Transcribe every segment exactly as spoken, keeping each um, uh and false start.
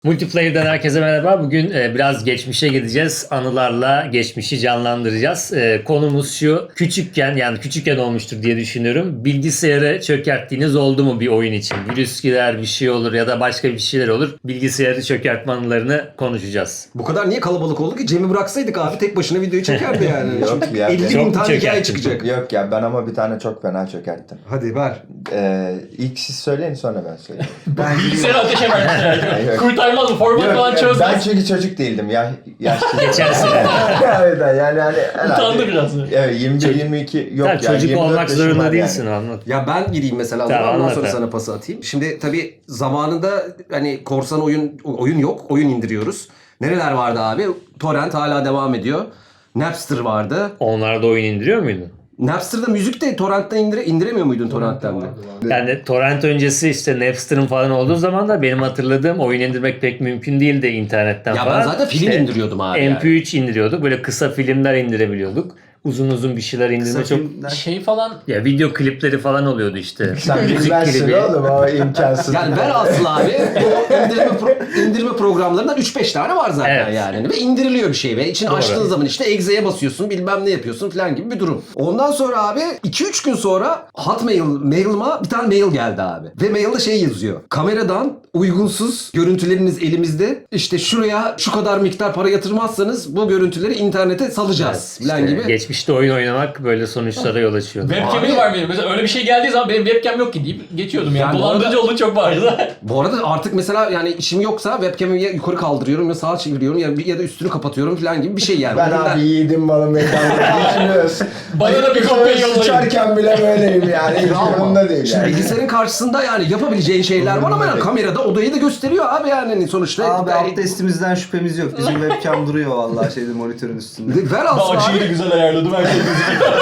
Multiplayer'dan herkese merhaba. Bugün e, biraz geçmişe gideceğiz. Anılarla geçmişi canlandıracağız. E, konumuz şu. Küçükken yani küçükken olmuştur diye düşünüyorum. Bilgisayarı çökerttiğiniz oldu mu bir oyun için? Virüs girer, bir şey olur ya da başka bir şeyler olur. Bilgisayarı çökertme anılarını konuşacağız. Bu kadar niye kalabalık oldu ki? Cem'i bıraksaydık abi tek başına videoyu çekerdi yani. Yok Çünkü ya, elli çok bin tane hikaye çökerttim. çıkacak. Yok ya, ben ama bir tane çok fena çökerttim. Hadi ver. Ee, ilk siz söyleyin, sonra ben söyleyeyim. Ben Bilgisayarı ateşe vermişler. Yok. Kurtarmaz mı? Format Yok, falan yok, çözmez. ben çünkü çocuk değildim ya. Yaşlı. Geçen sene. Evet yani hani herhalde. Utandı biraz. Evet, yirmi bir yirmi iki yok Tabii ya. çocuk yirmi dört olmak yaşım zorunda var değilsin yani. anlat. Ya ben gireyim mesela Tamam, ondan anlat sonra abi. sana pası atayım. Şimdi tabii zamanında hani korsan oyun oyun yok. Oyun indiriyoruz. Nereler vardı abi? Torrent hala devam ediyor. Napster vardı. Onlarda oyun indiriyor muydun? Napster'da müzik de torrentten indire, indiremiyor muydun torrentten de? Yani torrent öncesi işte Napster'ın falan olduğu zaman da benim hatırladığım oyun indirmek pek mümkün değildi internetten Ya falan. ben zaten film İşte indiriyordum abi M P yani. üç indiriyorduk. Böyle kısa filmler indirebiliyorduk. Uzun uzun bir şeyler indirme çok... Şey falan Ya video klipleri falan oluyordu işte. Sen Müzik bilmezsin klibi. oğlum, o imkansız. Yani velhasıl abi bu indirme, pro- indirme programlarından üç beş tane var zaten Evet. yani. Ve indiriliyor bir şey ve içini Doğru. açtığın zaman işte egzeye basıyorsun bilmem ne yapıyorsun falan gibi bir durum. Ondan sonra abi iki üç gün sonra Hotmail mail'ıma bir tane mail geldi abi. Ve mailde şey yazıyor. Kameradan uygunsuz görüntüleriniz elimizde. İşte şuraya şu kadar miktar para yatırmazsanız bu görüntüleri internete salacağız Evet, falan işte gibi. Geçmişte oyun oynamak böyle sonuçlara yol açıyordu. webcam'im Abi- var benim. Mesela öyle bir şey geldiği zaman benim webcam yok ki deyip geçiyordum yani. Yani bu Dolandırıcı arada- olduğu çok bariz. Bu arada artık mesela yani işim yoksa webcam'i ya yukarı kaldırıyorum ya sağa çeviriyorum ya, ya da üstünü kapatıyorum falan gibi bir şey yani. Ben Bugünler- abi yiğidim malım mekanını düşünüyorsun. Bana da bir kopya yollayın. Sıçarken bile böyleyim yani. Hiç Ama umurumda değil şimdi yani. bilgisayarın karşısında yani yapabileceğin şeyler var ama Umurumda yani değil. kamerada odayı da gösteriyor abi yani hani sonuçta. Abi Yani- abdestimizden şüphemiz yok. Bizim webcam duruyor vallahi şeyde monitörün üstünde. Ver alsın abi. güzel ayarladım her şey gözüküyor.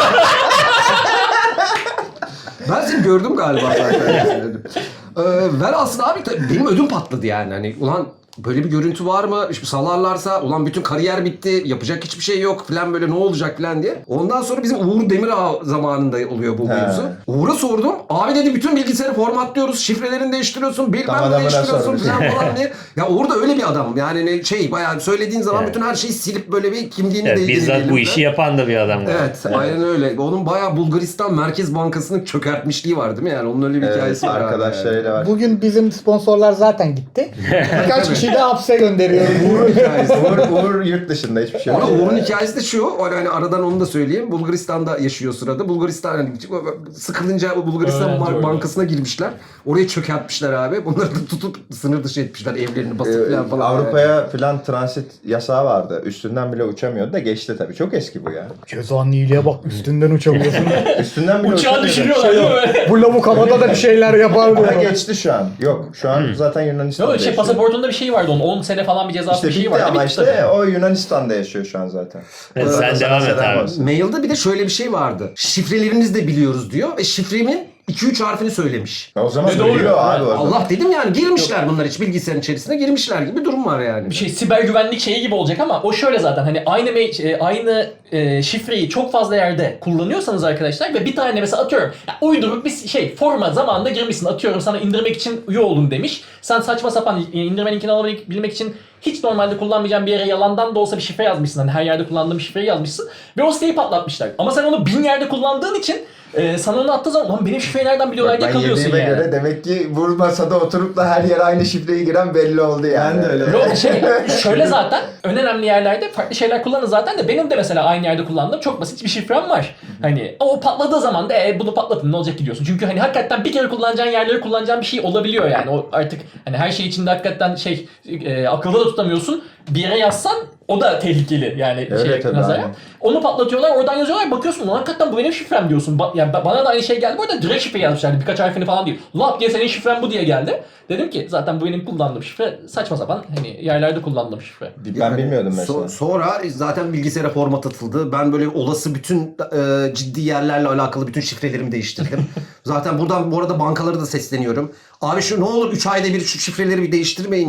Ben seni gördüm galiba zaten. ee, ver alsın abi. Tabii benim ödüm patladı yani. Hani ulan böyle bir görüntü var mı? İşte salarlarsa ulan bütün kariyer bitti. Yapacak hiçbir şey yok falan böyle ne olacak falan diye. Ondan sonra bizim Uğur Demirağ zamanında oluyor bu He. mevzu. Uğur'a sordum. Abi dedi bütün bilgisayarı formatlıyoruz. Şifrelerini değiştiriyorsun. Bilmem Tam ne adamına değiştiriyorsun sormuş. falan falan diye. Ya Uğur da öyle bir adam. Yani ne- şey bayağı söylediğin zaman Evet. bütün her şeyi silip böyle bir kimliğini Evet, değdiğini bizzat bu elimde. işi yapan da bir adam var. Evet, aynen öyle. Onun bayağı Bulgaristan Merkez Bankası'nın çökertmişliği var değil mi? Yani onun öyle bir Evet, hikayesi var. abi. arkadaşlarıyla var. Bugün bizim sponsorlar zaten gitti. Birkaç kişiyi de hapse gönderiyoruz. Uğur'un hikayesi. Uğur, Uğur yurt dışında hiçbir şey Ama yok. Uğur'un hikayesi de şu, o hani aradan onu da söyleyeyim. Bulgaristan'da yaşıyor sırada. Bulgaristan hani sıkılınca Bulgaristan Öğrenci Ban- orada. Bankası'na girmişler. Oraya çökertmişler abi. Bunları da tutup sınır dışı etmişler. Evlerini basıp Ee, falan falan. Avrupa'ya falan transit yasağı vardı. Üstünden bile uçamıyordu da geçti tabii. Çok eski bu ya. Cezanın iyiliğe bak, üstünden uçamıyorsun. Üstünden bile Uçağı uçamıyordu. düşürüyorlar değil mi? Bu lavuk havada da bir şeyler yapar Ha, diyor. geçti şu an. Yok şu an zaten Yunanistan'da Yok şey yaşıyor. pasaportunda bir şey vardı onun. on sene falan bir cezası İşte bir şey bitti vardı. ama Bitti işte tabii. o Yunanistan'da yaşıyor şu an zaten. Evet, Burada sen da devam sana et selam abi. olsun. Mailde bir de şöyle bir şey vardı. Şifrelerinizi de biliyoruz diyor ve şifremin iki üç harfini söylemiş. O zaman Ne doğru biliyor ya? abi orada. Allah dedim yani girmişler bunlar hiç bilgisayarın içerisine girmişler gibi bir durum var yani. Bir şey siber güvenlik şeyi gibi olacak ama o şöyle zaten hani aynı mail- e, aynı e, şifreyi çok fazla yerde kullanıyorsanız arkadaşlar ve bir tane mesela atıyorum ya uyduruk bir şey forma zamanında girmişsin atıyorum sana indirmek için üye olun demiş. Sen saçma sapan e, indirme linkini alabilmek için hiç normalde kullanmayacağın bir yere yalandan da olsa bir şifre yazmışsın. Hani her yerde kullandığın şifreyi yazmışsın ve o siteyi patlatmışlar. Ama sen onu bin yerde kullandığın için e, sana onu attığı zaman lan benim şifreyi nereden biliyorlar Bak, diye ben kalıyorsun yediğime yani. göre demek ki bu masada oturup da her yere aynı şifreyi giren belli oldu yani. Ben de öyle. Yok şey şöyle zaten en önemli yerlerde farklı şeyler kullanın zaten de benim de mesela aynı yerde kullandığım çok basit bir şifrem var. Hani o patladığı zaman da e, bunu patlatın ne olacak ki diyorsun. Çünkü hani hakikaten bir kere kullanacağın yerleri kullanacağın bir şey olabiliyor yani. O artık hani her şey içinde hakikaten şey e, akılda da tutamıyorsun. Bir yere yazsan o da tehlikeli yani Öyle şey tabii, nazara. aynen. Onu patlatıyorlar oradan yazıyorlar bakıyorsun lan hakikaten bu benim şifrem diyorsun. Ba- yani ba- bana da aynı şey geldi bu arada direkt şifre yazmışlardı birkaç harfini falan değil. Lap diye senin şifren bu diye geldi. Dedim ki zaten bu benim kullandığım şifre saçma sapan hani yerlerde kullandığım şifre. Ben bilmiyordum mesela. So- sonra zaten bilgisayara format atıldı. Ben böyle olası bütün e, ciddi yerlerle alakalı bütün şifrelerimi değiştirdim. Zaten buradan bu arada bankalara da sesleniyorum. Abi şu ne olur üç ayda bir şu şifreleri bir değiştirmeyin ya.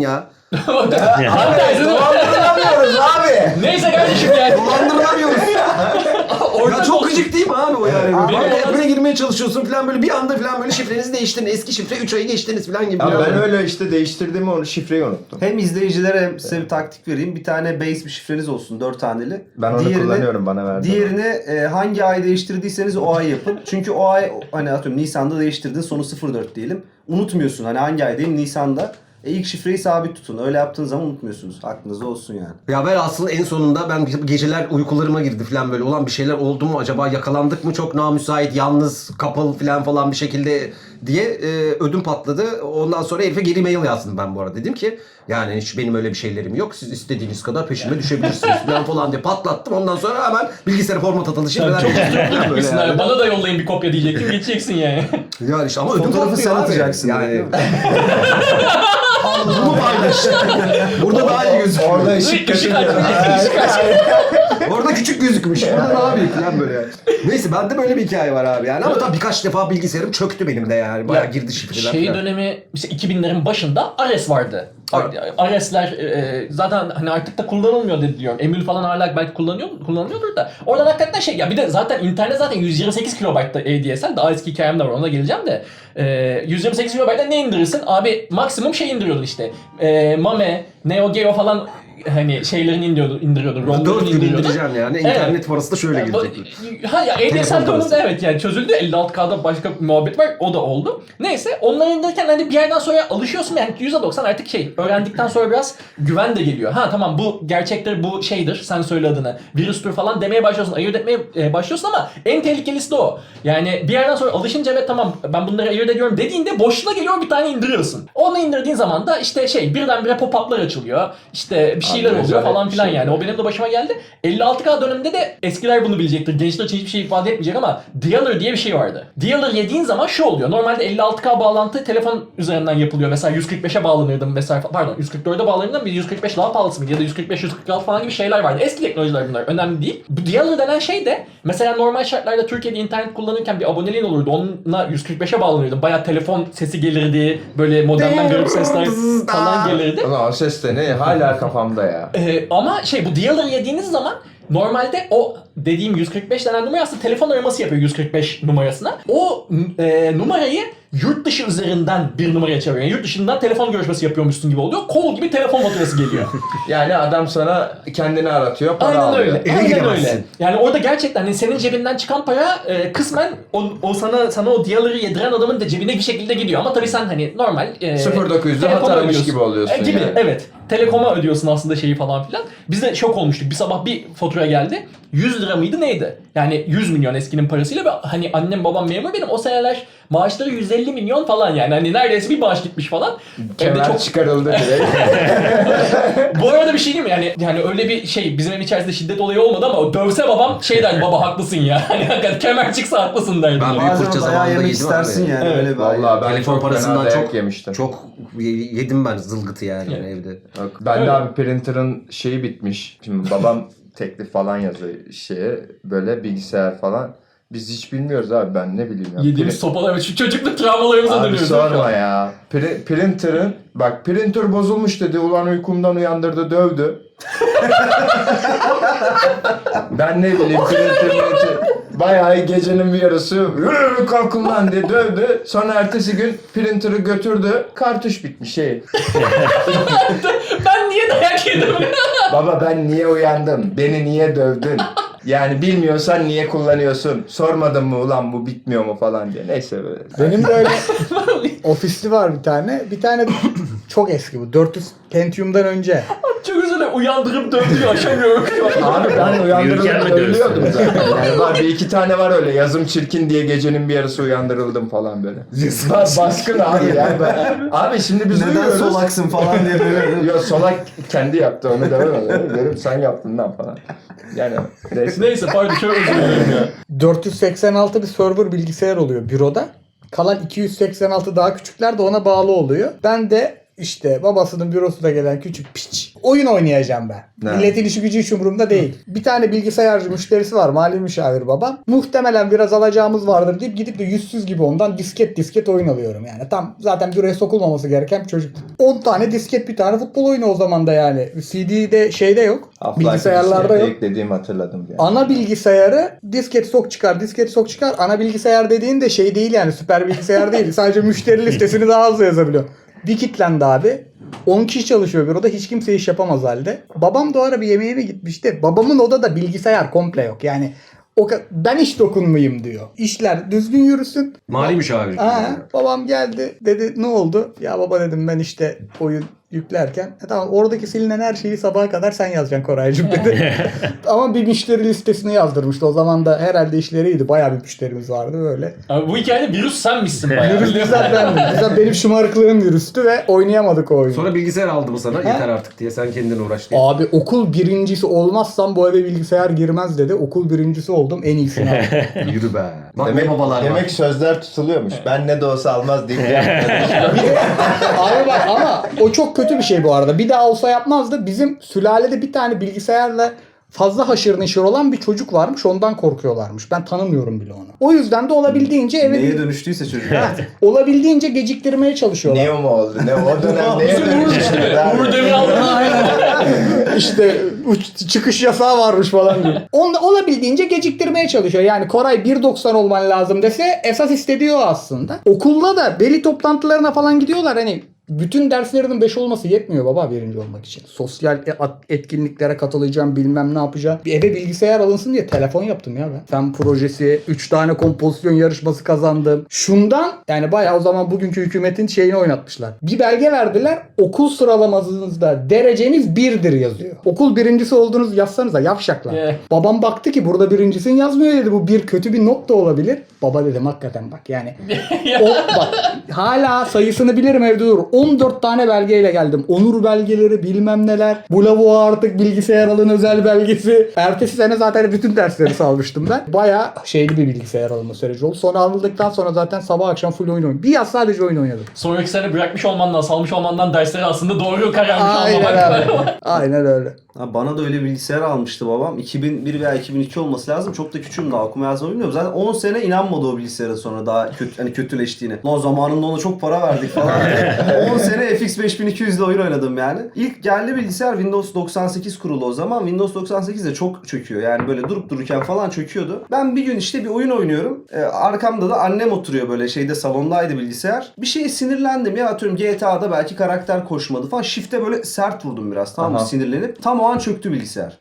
Tam tersi değil mi? Dolandırılamıyoruz abi. Neyse kardeşim yani. Dolandıramıyoruz. Orada Ya çok gıcık değil mi abi o yani? Abi, Banka benim- app'ine girmeye çalışıyorsun falan böyle bir anda falan böyle şifrenizi değiştirin. Eski şifre üç ayı geçtiniz falan gibi. Abi falan. ben öyle işte değiştirdiğimi onu şifreyi unuttum. Hem izleyicilere hem size bir taktik vereyim. Bir tane base bir şifreniz olsun dört taneli. Ben onu kullanıyorum, bana verdi. Diğerini e, hangi ay değiştirdiyseniz o ay yapın. Çünkü o ay hani atıyorum Nisan'da değiştirdin sonu sıfır dört diyelim. Unutmuyorsun hani hangi aydayım Nisan'da. E ilk şifreyi sabit tutun. Öyle yaptığınız zaman unutmuyorsunuz. Aklınızda olsun yani. Ya ben aslında en sonunda ben geceler uykularıma girdi falan böyle olan bir şeyler oldu mu acaba yakalandık mı çok namüsait yalnız kapalı falan falan bir şekilde diye e, ödüm patladı. Ondan sonra herife geri mail yazdım ben bu arada. Dedim ki yani hiç benim öyle bir şeylerim yok. Siz istediğiniz kadar peşime düşebilirsiniz falan falan diye patlattım. Ondan sonra hemen bilgisayara format atalı şeyler Çok oluşturdum böyle yani. Bana da yollayın bir kopya diyecektim. Geçeceksin yani. Yani işte ama ödüm Fotoğrafı patlıyor sen abi. atacaksın. Yani. Bunu paylaş. Burada daha iyi gözüküyor. Orada Işık ışık ışık kaçırıyor. Orada küçük gözükmüş. Burada ne yapayım falan böyle yani. Neyse bende böyle bir hikaye var abi yani. Ama tabii birkaç defa bilgisayarım çöktü benim de yani. Bayağı Ya, girdi şifreler Şey falan. dönemi mesela iki binlerin başında Ares vardı. Ares'ler e, zaten hani artık da kullanılmıyor dedi diyorum. Emül falan hala belki kullanıyor kullanılıyordur da. Oradan hakikaten şey ya bir de zaten internet zaten yüz yirmi sekiz kilobaytta A D S L. Daha eski hikayem de var ona geleceğim de. E, yüz yirmi sekiz kilobaytta ne indirirsin? Abi maksimum şey indiriyordun işte. E, Mame, Neo Geo falan hani şeylerini indiriyordun, indiriyordun. Dört ROM'larını gün indiriyordun. indireceğim yani. Evet. İnternet parası da şöyle Yani bu- gelecek. Ha ya A D S L Telefon konusunda parası. evet yani çözüldü. elli altı K'da başka bir muhabbet var. O da oldu. Neyse onları indirirken hani bir yerden sonra alışıyorsun yani yüzde doksan artık şey öğrendikten sonra biraz güven de geliyor. Ha tamam bu gerçektir bu şeydir sen söyle adını. Virüstür falan demeye başlıyorsun. Ayırt etmeye e, başlıyorsun ama en tehlikelisi de o. Yani bir yerden sonra alışınca ve tamam ben bunları ayırt ediyorum dediğinde boşluğa geliyor bir tane indiriyorsun. Onu indirdiğin zaman da işte şey birdenbire pop-up'lar açılıyor. İşte bir şeyler Abi, oluyor rezalet falan bir filan şey yani. ya. O benim de başıma geldi. elli altı K döneminde de eskiler bunu bilecektir. Gençler için hiçbir şey ifade etmeyecek ama Dialer diye bir şey vardı. Dialer yediğin zaman şu oluyor. Normalde elli altı K bağlantı telefon üzerinden yapılıyor. Mesela yüz kırk beşe bağlanırdım mesela. Pardon yüz kırk dörde bağlanırdım. Bir yüz kırk beş daha pahalısı mıydı? Ya da yüz kırk beş yüz kırk altı falan gibi şeyler vardı. Eski teknolojiler bunlar. Önemli değil. Bu Dialer denen şey de mesela normal şartlarda Türkiye'de internet kullanırken bir aboneliğin olurdu. Onunla yüz kırk beşe bağlanırdım. Bayağı telefon sesi gelirdi. Böyle modemden garip sesler falan gelirdi. Ulan o ses de ne? Hala kafamda ya. Ee, ama şey bu Dialer yediğiniz zaman normalde o dediğim yüz kırk beş denen numara aslında telefon araması yapıyor yüz kırk beş numarasına. O e, numarayı yurt dışı üzerinden bir numaraya çeviriyor. Yani yurt dışından telefon görüşmesi yapıyormuşsun gibi oluyor. Kol gibi telefon faturası geliyor. Yani adam sana kendini aratıyor, para Aynen alıyor. öyle. Eve Aynen giremezsin. öyle. Yani orada gerçekten hani senin cebinden çıkan para e, kısmen o, o sana sana o Dialer'ı yediren adamın da cebine bir şekilde gidiyor. Ama tabii sen hani normal e, sıfır dokuz yüzde telekoma hat aramış ödüyorsun. gibi oluyorsun E, gibi yani. evet. Telekoma ödüyorsun aslında şeyi falan filan. Biz de şok olmuştuk. Bir sabah bir fatura geldi. yüz lira mıydı neydi? Yani yüz milyon eskinin parasıyla ve hani annem babam memur benim o seneler maaşları yüz elli milyon falan yani. Hani neredeyse bir maaş gitmiş falan. Hem de Kemer çok çıkarıldı direkt. bu arada bir şey diyeyim mi? Yani, yani öyle bir şey bizim evin içerisinde şiddet olayı olmadı ama o dövse babam şey der baba haklısın ya. Hani hakikaten kemer çıksa haklısın derdi. Ben büyük fırça Bazen zamanında bayağı yemek yedim istersin abi. yani Evet. öyle bir ay. Vallahi ben Telefon çok parasından fena dayak çok yemiştim. çok yedim ben zılgıtı yani Evet. evde. Yok, ben de Öyle. abi printer'ın şeyi bitmiş. Şimdi babam teklif falan yazıyor şeye böyle bilgisayar falan. Biz hiç bilmiyoruz abi ben ne bileyim ya. Yediğimiz Pri- sopalar ve şu çocukluk travmalarımıza Abi dönüyoruz. değil mi şu sorma an? ya. Pri- printer'ın bak printer bozulmuş dedi. Ulan uykumdan uyandırdı dövdü. Ben ne bileyim printer bayağı gecenin bir yarısı "Yürü, kalkın lan" diye dövdü. Sonra ertesi gün printer'ı götürdü. Kartuş bitmiş şey. Ben niye dayak yedim? Baba ben niye uyandım? Beni niye dövdün? Yani bilmiyorsan niye kullanıyorsun? Sormadın mı ulan bu bitmiyor mu falan diye. Neyse böyle. Benim de öyle ofisli var bir tane. Bir tane çok eski bu. dört yüz Pentium'dan önce. Çok üzüle uyandırıp dövdüğü aşamıyorum şu an. Abi ben Uyurken uyandırılıp mi dövülüyordum dövsün? zaten. Yani var bir iki tane var öyle yazım çirkin diye gecenin bir yarısı uyandırıldım falan böyle. Ba- baskın abi yani. Ben- Abi şimdi biz Neden uyuyoruz. solaksın falan diye böyle. Yok solak kendi yaptı onu demem. Dedim sen yaptın lan falan. Yani neyse. Neyse pardon çok özür dilerim ya. dört yüz seksen altı bir server bilgisayar oluyor büroda. Kalan iki yüz seksen altı daha küçükler de ona bağlı oluyor. Ben de işte babasının bürosuna gelen küçük piç Oyun oynayacağım ben. Ne? Milletin işi gücü hiç umurumda değil. Bir tane bilgisayarcı müşterisi var. Mali müşavir babam. Muhtemelen biraz alacağımız vardır deyip gidip de yüzsüz gibi ondan disket disket oyun alıyorum yani. Tam zaten büroya sokulmaması gereken bir çocuk. on tane disket bir tane futbol oyunu o zaman da yani. C D'de şeyde yok. Bilgisayarlarda yok. Dediğimi hatırladım yani. Ana bilgisayarı disket sok çıkar, disket sok çıkar. Ana bilgisayar dediğin de şey değil yani, süper bilgisayar değil. Sadece müşteri listesini daha hızlı yazabiliyor. Bir kitlendi abi. on kişi çalışıyor büroda, hiç kimse iş yapamaz halde. Babam da o ara bir yemeğine gitmişti. Babamın odada bilgisayar komple yok. Yani o ka- ben hiç dokunmayayım diyor. İşler düzgün yürüsün. Mali müşavir. Ha, babam geldi dedi ne oldu? Ya baba dedim ben işte oyun yüklerken. E tamam, oradaki silinen her şeyi sabaha kadar sen yazacaksın Koraycığım dedi. Ama bir müşteri listesini yazdırmıştı. O zaman da herhalde işleri iyiydi. Bayağı bir müşterimiz vardı böyle. Abi bu hikayede virüs sen misin bayağı? Virüs bizzat bendim. Bizzat benim şımarıklığım virüstü ve oynayamadık o oyunu. Sonra bilgisayar aldı mı sana? Ha? Yeter artık diye sen kendin uğraş diye. Abi okul birincisi olmazsam bu eve bilgisayar girmez dedi. Okul birincisi oldum, en iyisini aldım. Yürü be. Bak Demek, ne babalar demek var. sözler tutuluyormuş. Ben ne de olsa almaz deyip Abi bak ama o çok kötü bir şey bu arada. Bir daha olsa yapmazdı. Bizim sülalede bir tane bilgisayarla fazla haşır neşir olan bir çocuk varmış. Ondan korkuyorlarmış. Ben tanımıyorum bile onu. O yüzden de olabildiğince eve Neye dönüştüyse çocuk. olabildiğince geciktirmeye çalışıyorlar. Neo mu oldu? Ne o dönem neye dönüştü? Uğur Demir aldı. İşte uç- çıkış yasağı varmış falan diyor. Onu olabildiğince geciktirmeye çalışıyor. Yani Koray bir doksan olman lazım dese esas istediği o aslında. Okulda da veli toplantılarına falan gidiyorlar. Hani bütün derslerinin beş olması yetmiyor baba birinci olmak için. Sosyal e- at- etkinliklere katılacağım, bilmem ne yapacağım. Bir eve bilgisayar alınsın diye telefon yaptım ya ben. Fen projesi, üç tane kompozisyon yarışması kazandım. Şundan yani bayağı o zaman bugünkü hükümetin şeyini oynatmışlar. Bir belge verdiler. Okul sıralamanızda dereceniz birdir yazıyor. Okul birincisi olduğunuz yazsanıza yavşaklar. Yeah. Babam baktı ki burada birincisin yazmıyor dedi. Bu bir kötü bir not da olabilir. Baba dedim hakikaten bak yani. o, bak hala sayısını bilirim evde durur. on dört tane belgeyle geldim. Onur belgeleri bilmem neler. Bu lavuğa artık bilgisayar alın özel belgesi. Ertesi sene zaten bütün dersleri salmıştım ben. Bayağı şeyli bir bilgisayar alınma süreci oldu. Sonra alındıktan sonra zaten sabah akşam full oyun oynadım. Bir yaz sadece oyun oynadım. Sonraki sene bırakmış olmandan, salmış olmandan dersleri aslında doğru kararmış Aynen almamak. öyle. Aynen öyle. Ha, bana da öyle bilgisayar almıştı babam. iki bin bir veya iki bin iki olması lazım. Çok da küçüğüm daha, okuma yazma bilmiyorum. Zaten on sene inanmadı o bilgisayara sonra daha kötü, hani kötüleştiğine. Lan zamanında ona çok para verdik falan. on sene F X beş bin iki yüz ile oyun oynadım yani. İlk geldi bilgisayar Windows doksan sekiz kurulu o zaman. Windows doksan sekiz de çok çöküyor. Yani böyle durup dururken falan çöküyordu. Ben bir gün işte bir oyun oynuyorum. Ee, arkamda da annem oturuyor böyle şeyde, salondaydı bilgisayar. Bir şeye sinirlendim ya, atıyorum G T A'da belki karakter koşmadı falan. Shift'e böyle sert vurdum biraz, tamam mı, Aha. sinirlenip. Tam o an çöktü bilgisayar.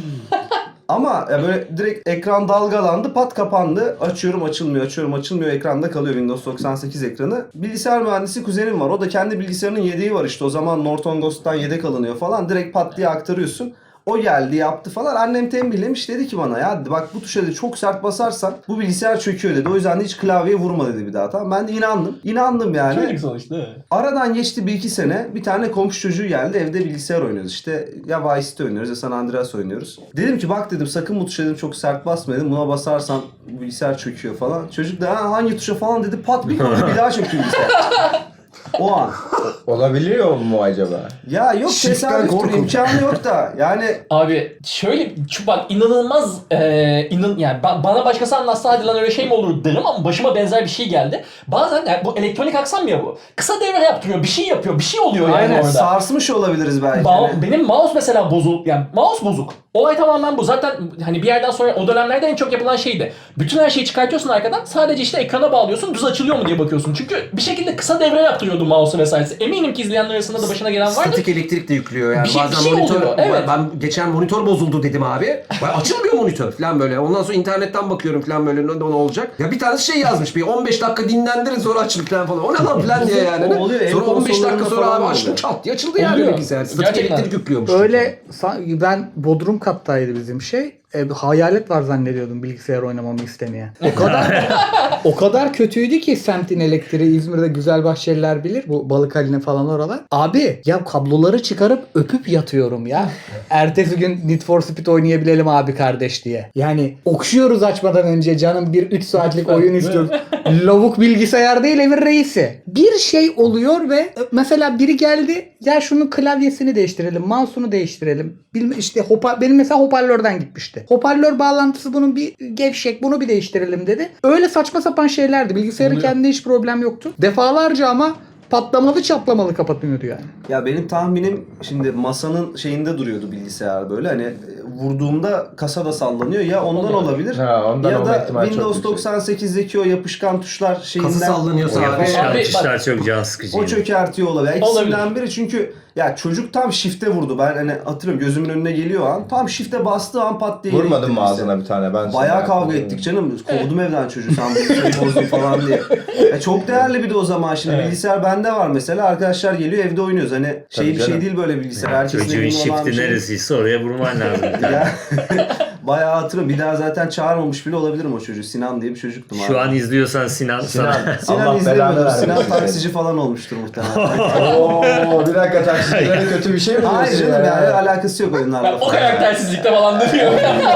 Ama ya böyle direkt ekran dalgalandı, pat kapandı. Açıyorum açılmıyor, açıyorum açılmıyor, ekranda kalıyor Windows doksan sekiz ekranı. Bilgisayar mühendisi kuzenim var. O da kendi bilgisayarının yedeği var işte. O zaman Norton Ghost'tan yedek alınıyor falan. Direkt pat diye aktarıyorsun. O geldi yaptı falan. Annem tembihlemiş, dedi ki bana ya bak bu tuşa dedi çok sert basarsan bu bilgisayar çöküyor dedi. O yüzden de hiç klavyeye vurma dedi bir daha, tamam. Ben de inandım. İnandım yani. Çocuk sonuçta. Aradan geçti bir iki sene. Bir tane komşu çocuğu geldi. Evde bilgisayar oynuyoruz. İşte ya Vice City oynuyoruz ya San Andreas oynuyoruz. Dedim ki bak dedim sakın bu tuşa dedim çok sert basma dedim. Buna basarsan bilgisayar çöküyor falan. Çocuk da ha, hangi tuşa falan dedi. Pat bir koydu, bir daha çöktü bilgisayar. O an. olabiliyor mu acaba? Ya yok, Shift'ten tesadüftür, korkun. imkanı yok da. Yani Abi şöyle şu bak inanılmaz e, inan yani ba- bana başkası anlatsa hadi lan öyle şey mi olur derim ama başıma benzer bir şey geldi. Bazen yani bu elektronik aksam ya bu. Kısa devre yaptırıyor, bir şey yapıyor, bir şey oluyor yani aynen orada. sarsmış olabiliriz belki. Ma- Yani. benim mouse mesela bozuk yani mouse bozuk. Olay tamamen bu. Zaten hani bir yerden sonra o dönemlerde en çok yapılan şeydi. Bütün her şeyi çıkartıyorsun arkadan. Sadece işte ekrana bağlıyorsun. Düz açılıyor mu diye bakıyorsun. Çünkü bir şekilde kısa devre yaptırıyordu mouse'u vesairesi. Eminim ki izleyenler arasında da başına gelen vardır. Statik elektrik de yüklüyor yani. Bir şey- Bazen bir şey monitör, oluyor, evet. ben geçen monitör bozuldu dedim abi. Bak, açılmıyor monitör falan böyle. Ondan sonra internetten bakıyorum falan böyle ne, ne olacak. Ya bir tane şey yazmış bir on beş dakika dinlendirin sonra açılır falan falan. O ne lan falan diye yani. O oluyor, ev Sonra on beş dakika konsollarında sonra falan abi oluyor. açtım çat diye açıldı yani Oluyor. bilgisayar. Statik Gerçekten. elektrik yüklüyormuş. Öyle sa- ben Bodrum kattaydı bizim şey. e, hayalet var zannediyordum bilgisayar oynamamı istemeyen. O kadar o kadar kötüydü ki semtin elektriği İzmir'de Güzelbahçeliler bilir. Bu Balıkhaline falan oralar. Abi ya kabloları çıkarıp öpüp yatıyorum ya. Ertesi gün Need for Speed oynayabilelim abi kardeş diye. Yani okşuyoruz açmadan önce canım bir üç saatlik oyun istiyoruz. Lavuk bilgisayar değil evin reisi. Bir şey oluyor ve mesela biri geldi ya şunun klavyesini değiştirelim, mouse'unu değiştirelim. Bilme, işte hopa, benim mesela hoparlörden gitmişti. Hoparlör bağlantısı bunun bir gevşek, bunu bir değiştirelim dedi. Öyle saçma sapan şeylerdi. Bilgisayarın Oluyor. kendinde hiç problem yoktu. Defalarca ama patlamalı çatlamalı kapatıyordu yani. Ya benim tahminim şimdi masanın şeyinde duruyordu bilgisayar böyle hani e, vurduğumda kasa da sallanıyor ya ondan Oluyor. olabilir. Ha, ondan ya olma da ihtimali çok Windows yüksek. doksan sekizdeki o yapışkan tuşlar şeyinden Kası sallanıyorsa O abi. yapışkan Abi, tuşlar çok can sıkıcı. o çökertiyor olabilir. Yani Olabilir. İkisinden biri çünkü ya çocuk tam shift'e vurdu. Ben hani hatırlıyorum gözümün önüne geliyor an. Tam shift'e bastığı an pat diye yere Vurmadın gitti mı bilgisayar. ağzına bir tane? Ben Bayağı sana- kavga ettik canım. Kovdum evden çocuğu sen bu bilgisayarı bozdun falan diye. Ya çok değerli bir de o zaman şimdi Evet. bilgisayar bende var mesela. Arkadaşlar geliyor evde oynuyoruz. Hani şey Tabii bir şey canım. değil böyle bilgisayar. Herkesin Çocuğun evinde olan bir shifti şey. neresiyse oraya vurman lazım. Ya, bayağı hatırlıyorum. Bir daha zaten çağırmamış bile olabilirim o çocuğu. Sinan diye bir çocuktum abi. Şu an izliyorsan Sinan, Sinan, sana. Sinan Allah belanı izlemiyordur. vermesin Sinan seni. taksici falan olmuştur muhtemelen. Oo, bir dakika taksicilere kötü bir şey mi diyorsun Hayır canım yani alakası yok oyunlarla Ben o falan. karaktersizlikte falan dönüyor.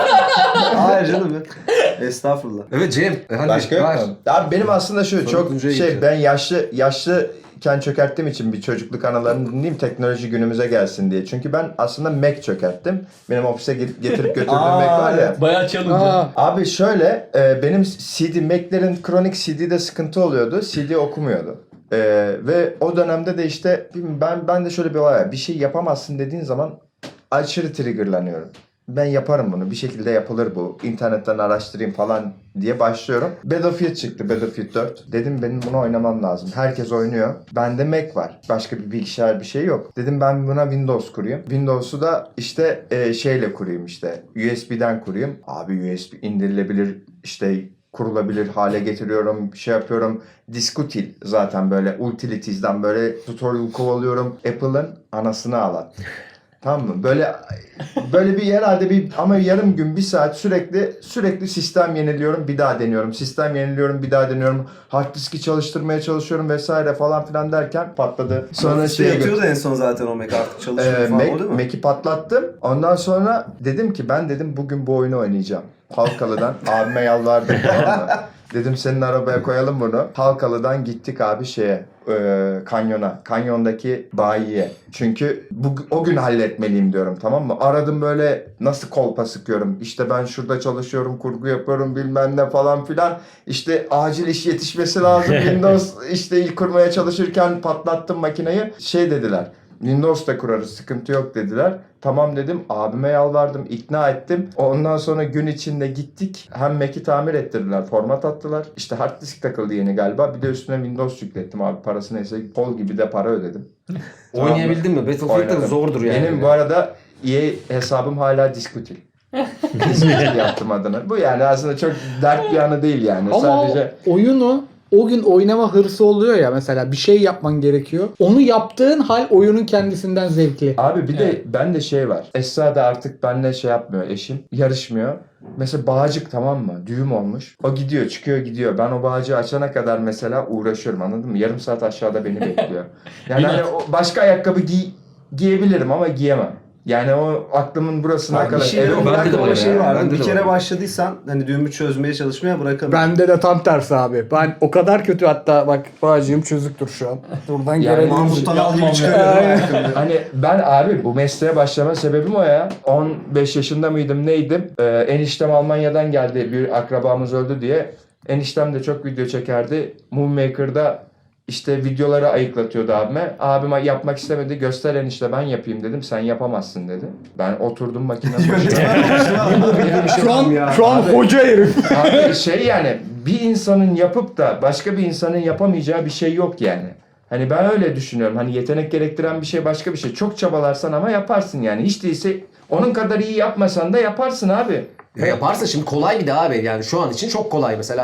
Hayır canım. Estağfurullah. Evet Cem. Hadi Başka yok var. mu? Abi benim aslında şu çok Dördüncüye şey geçiyorum. ben yaşlı yaşlıken çökerttiğim için bir çocukluk anılarını dinleyeyim teknoloji günümüze gelsin diye. Çünkü ben aslında Mac çökerttim. Benim ofise get- getirip götürdüğüm Aa, Mac var ya. evet. Bayağı challenge. Aa, Abi şöyle e, benim C D Mac'lerin kronik C D'de sıkıntı oluyordu. C D okumuyordu. E, ve o dönemde de işte bilmiyorum, ben ben de şöyle bir olay var. Bir şey yapamazsın dediğin zaman aşırı triggerlanıyorum. Ben yaparım bunu. Bir şekilde yapılır bu. İnternetten araştırayım falan diye başlıyorum. Battlefield çıktı. Battlefield dört. Dedim benim bunu oynamam lazım. Herkes oynuyor. Bende Mac var. Başka bir bilgisayar bir şey yok. Dedim ben buna Windows kurayım. Windows'u da işte e, şeyle kurayım işte. U S B'den kurayım. Abi U S B indirilebilir işte kurulabilir hale getiriyorum, şey yapıyorum. Diskutil zaten böyle Utilities'den böyle tutorial kovalıyorum. Apple'ın anasını ağlat. Tamam mı? Böyle böyle bir herhalde bir ama yarım gün bir saat sürekli sürekli sistem yeniliyorum bir daha deniyorum. Sistem yeniliyorum bir daha deniyorum. Hard diski çalıştırmaya çalışıyorum vesaire falan filan derken patladı. Sonra şey şeye yatıyordu en son zaten o Mac artık çalışıyor ee, falan Mac, o değil mi? Mac'i patlattım. Ondan sonra dedim ki ben dedim bugün bu oyunu oynayacağım. Halkalı'dan abime yalvardım tamam mı? Dedim senin arabaya koyalım bunu. Halkalı'dan gittik abi şeye e, kanyona. Kanyondaki bayiye. Çünkü bu, o gün halletmeliyim diyorum tamam mı? Aradım böyle nasıl kolpa sıkıyorum. İşte ben şurada çalışıyorum, kurgu yapıyorum bilmem ne falan filan. İşte acil iş yetişmesi lazım. Windows işte ilk kurmaya çalışırken patlattım makineyi. Şey dediler. Windows'ta kurarız sıkıntı yok dediler. Tamam dedim abime yalvardım ikna ettim. Ondan sonra gün içinde gittik. Hem Mac'i tamir ettirdiler format attılar. İşte hard disk takıldı yeni galiba. Bir de üstüne Windows yüklettim abi parası neyse kol gibi de para ödedim. Oynayabildin mi? Battlefield de Oynadım. zordur yani. Benim bu arada E A hesabım hala Diskutil. Diskutil yaptım adını. Bu yani aslında çok dert bir anı değil yani. ama Sadece oyunu o gün oynama hırsı oluyor ya mesela bir şey yapman gerekiyor. Onu yaptığın hal oyunun kendisinden zevkli. abi bir de Evet. bende şey var. Esra da artık benimle şey yapmıyor eşim. Yarışmıyor. Mesela bağcık tamam mı? Düğüm olmuş. O gidiyor çıkıyor gidiyor. Ben o bağcığı açana kadar mesela uğraşıyorum anladın mı? Yarım saat aşağıda beni bekliyor. Yani hani o başka ayakkabı giy giyebilirim ama giyemem. Yani o aklımın burasına Ha, bir kadar. şey Evim yok. bende de Bende öyle o şey ya. vardı. Bende Bir de kere var. başladıysan hani düğümü çözmeye çalışmaya bırakamıyorum. Bende de tam tersi abi. Ben o kadar kötü hatta bak bağcığım çözüktür şu an. Buradan Yani görebiliriz. Mahmut Tanal gibi Yapmam çıkarıyor. ya. ayakkabıyı. Hani ben abi bu mesleğe başlama sebebim o ya. on beş yaşında mıydım neydim? Ee, eniştem Almanya'dan geldi. Bir akrabamız öldü diye. Eniştem de çok video çekerdi. Moonmaker'da işte videoları ayıklatıyordu abime. Abim yapmak istemedi. Göster enişte ben yapayım dedim. Sen yapamazsın dedi. Ben oturdum makine başına. Şu an, ya. şu an Abi- hoca herif. Abi şey yani bir insanın yapıp da başka bir insanın yapamayacağı bir şey yok yani. Hani ben öyle düşünüyorum. Hani yetenek gerektiren bir şey başka bir şey. Çok çabalarsan ama yaparsın yani. Hiç değilse onun kadar iyi yapmasan da yaparsın abi. Ya yaparsa şimdi kolay bir de abi yani şu an için çok kolay mesela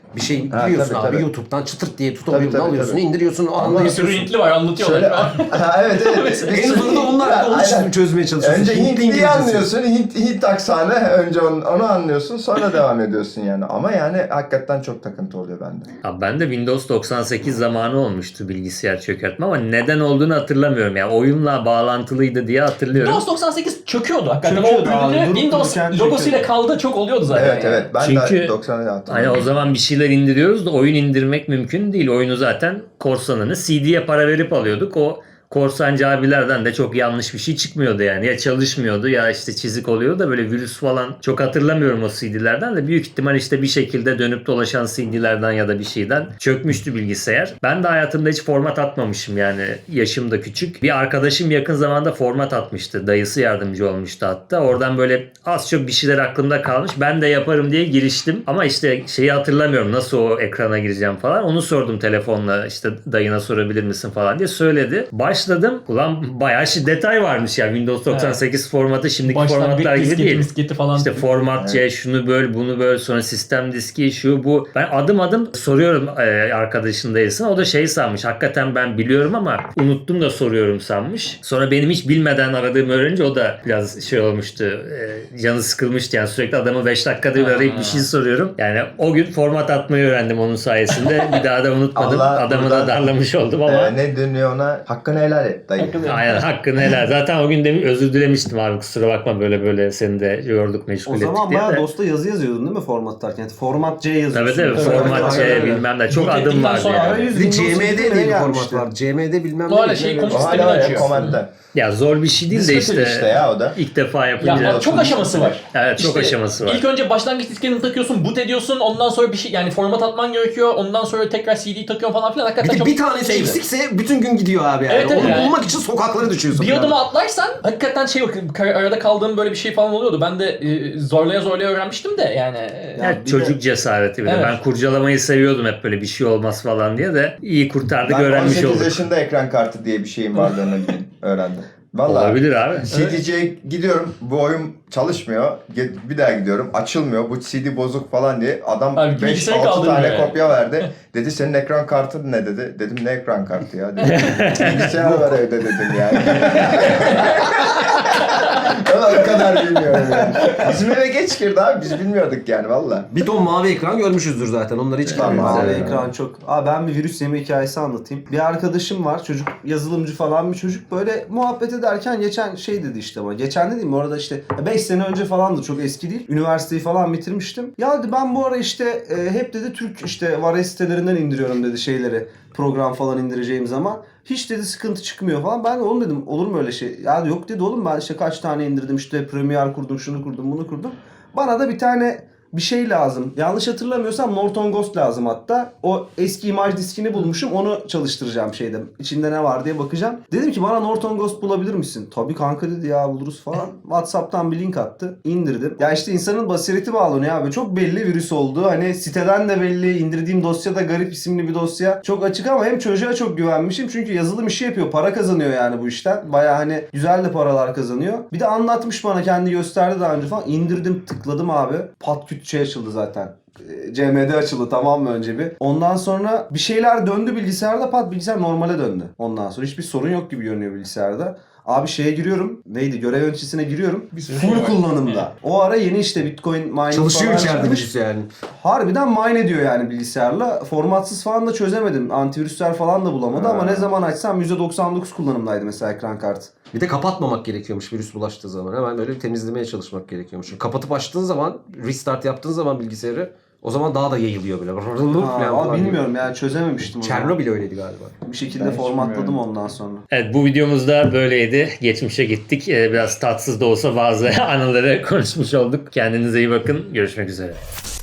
Bir şey Ha, giriyorsun tabii, abi tabii. YouTube'dan çıtırt diye Tabii, tutorial'ını tabii, alıyorsun, tabii. indiriyorsun, Bir anlıyorsun. sürü Hintli var anlatıyorlar. Şöyle, ha, evet evet. En sonunda onlar da onu Aynen. çözmeye çalışıyorsun. Önce Hintli Hintliyi İngilizcesi. anlıyorsun, Hint, Hint aksanı, önce onu, onu anlıyorsun, sonra devam ediyorsun yani. Ama yani hakikaten çok takıntı oluyor bende. Abi ben de Windows doksan sekiz zamanı olmuştu bilgisayar çökertme ama neden olduğunu hatırlamıyorum. Yani oyunla bağlantılıydı diye hatırlıyorum. Windows doksan sekiz çöküyordu hakikaten. Çöküyordu o abi, ürünü durup Windows dururken logosuyla çöküyordu. kaldı çok oluyordu zaten. Evet yani. evet, ben Çünkü- de doksanı Hani hatırlıyorum. o zaman bir şeyler indiriyoruz da oyun indirmek mümkün değil. Oyunu zaten korsanını C D'ye para verip alıyorduk. O korsancı abilerden de çok yanlış bir şey çıkmıyordu yani. Ya çalışmıyordu ya işte çizik oluyordu da böyle virüs falan çok hatırlamıyorum o C D'lerden de. Büyük ihtimal işte bir şekilde dönüp dolaşan C D'lerden ya da bir şeyden çökmüştü bilgisayar. Ben de hayatımda hiç format atmamışım yani. Yaşım da küçük. Bir arkadaşım yakın zamanda format atmıştı. Dayısı yardımcı olmuştu hatta. Oradan böyle az çok bir şeyler aklımda kalmış. Ben de yaparım diye giriştim. Ama işte şeyi hatırlamıyorum. Nasıl o ekrana gireceğim falan. Onu sordum telefonla. İşte dayına sorabilir misin falan diye söyledi. Başladım. Ulan bayağı şey detay varmış ya. Windows doksan sekiz formatı şimdiki Baştan formatlar bir gibi disketi, değil. misketi falan. İşte format C, şunu böl, bunu böl, sonra sistem diski, şu bu. Ben adım adım soruyorum e, arkadaşın dayısına. O da şey sanmış. Hakikaten ben biliyorum ama unuttum da soruyorum sanmış. Sonra benim hiç bilmeden aradığımı öğrenince o da biraz şey olmuştu. E, canı sıkılmıştı yani. Sürekli adamı beş dakikada bir arayıp bir şey soruyorum. Yani o gün format atmayı öğrendim onun sayesinde. Bir daha da unutmadım. Allah Adamı da buradan- darlamış oldum ama. Ee, ne dönüyor ona? Hakkını helal et dayı. Aynen hakkını helal. Zaten o gün de özür dilemiştim abi, kusura bakma böyle böyle seni de yorduk meşgul O ettik zaman diye bayağı de. DOS'ta yazı yazıyordun değil mi format atarken? Yani format C yazıyorsun. Tabii tabii Evet, format aynen C öyle. bilmem ne çok Bu adım teknikten vardı sonra yani. arayüz- Bir de Windows C M D yedide diye bir gelmişti. format var. C M D bilmem O ne. hala şey bilmem ne. komut O sistemini hala var ya, açıyorsun. komentten. Ya zor bir şey değil de Disketil işte, işte ya o da. ilk defa yapınca. Ya çok aşaması var. Evet çok İşte aşaması var. İlk önce başlangıç disketini takıyorsun, boot ediyorsun, ondan sonra bir şey yani format atman gerekiyor, ondan sonra tekrar C D'yi takıyorsun falan filan. Bir Hakikaten de çok bir tanesi şeydi. eksikse bütün gün gidiyor abi yani. Evet, evet Onu yani. bulmak için sokaklara düşüyorsun. Bir falan. adımı atlarsan hakikaten şey yok, kar- arada kaldığım böyle bir şey falan oluyordu. Ben de e, zorlaya zorlaya öğrenmiştim de yani. e, Ya bir de- çocuk cesareti bir de. Evet. Ben kurcalamayı seviyordum hep, böyle bir şey olmaz falan diye de iyi kurtardık, Ben öğrenmiş on sekiz olduk. yaşında ekran kartı diye bir şeyin varlığını öğrendim. Vallahi. Olabilir abi. C D C'ye gidiyorum, bu oyun çalışmıyor. Ge- Bir daha gidiyorum, açılmıyor. Bu C D bozuk falan diye. Adam Abi beş bilgisayarı altı kaldırmıyor tane yani. kopya verdi. Dedi senin ekran kartın ne dedi. Dedim ne ekran kartı ya dedi. Bilgisayar var evde dedim yani. Ben o kadar bilmiyorum yani. Bizim eve geç girdi abi, biz bilmiyorduk yani valla. Bir ton mavi ekran görmüşüzdür zaten. Onları hiç Tamam, görmeyiz. Mavi Evet. ekran çok. Abi ben bir virüs yeme hikayesi anlatayım. Bir arkadaşım var, çocuk yazılımcı falan bir çocuk. Böyle muhabbet ederken geçen şey dedi işte bana. Geçen dediğim orada işte beş sene önce falandı, çok eski değil. Üniversiteyi falan bitirmiştim. Ya dedi ben bu ara işte e, hep dedi Türk işte Vares sitelerinden indiriyorum dedi şeyleri. Program falan indireceğim zaman. Hiç dedi sıkıntı çıkmıyor falan. Ben de oğlum dedim olur mu öyle şey? Ya yok dedi oğlum ben işte kaç tane indirdim işte Premiere kurdum, şunu kurdum, bunu kurdum. Bana da bir tane bir şey lazım. Yanlış hatırlamıyorsam Norton Ghost lazım hatta. O eski imaj diskini bulmuşum. Onu çalıştıracağım şeyde. İçinde ne var diye bakacağım. Dedim ki bana Norton Ghost bulabilir misin? Tabii kanka dedi ya buluruz falan. WhatsApp'tan bir link attı. İndirdim. Ya işte insanın basireti bağlanıyor abi. Çok belli virüs oldu. Hani siteden de belli. İndirdiğim dosya da garip isimli bir dosya. Çok açık ama hem çocuğa çok güvenmişim. Çünkü yazılım işi yapıyor. Para kazanıyor yani bu işten. Baya hani güzel de paralar kazanıyor. Bir de anlatmış bana, kendi gösterdi daha önce falan. İndirdim, tıkladım abi. Pat küt şey açıldı zaten. C M D açıldı tamam mı önce bir. Ondan sonra bir şeyler döndü bilgisayarda, pat bilgisayar normale döndü. Ondan sonra hiçbir sorun yok gibi görünüyor bilgisayarda. Abi şeye giriyorum. Neydi? Görev yöneticisine giriyorum. Full kullanımda. O ara yeni işte Bitcoin mining Çalışıyor falan içeride çıkmış. virüs yani. Harbiden mine ediyor yani bilgisayarla. Formatsız falan da çözemedim. Antivirüsler falan da bulamadı ama ne zaman açsam yüzde doksan dokuz kullanımdaydı mesela ekran kartı. Bir de kapatmamak gerekiyormuş virüs bulaştığı zaman. Hemen böyle bir temizlemeye çalışmak gerekiyormuş. Çünkü kapatıp açtığın zaman, restart yaptığın zaman bilgisayarı, o zaman daha da yayılıyor böyle. Ha, Falan ama falan bilmiyorum yani çözememiştim. o zaman. Çernobil öyleydi galiba. Bir şekilde Ben hiç formatladım bilmiyorum. ondan sonra. Evet bu videomuzda böyleydi. Geçmişe gittik. Ee, biraz tatsız da olsa bazı anıları konuşmuş olduk. Kendinize iyi bakın. Görüşmek üzere.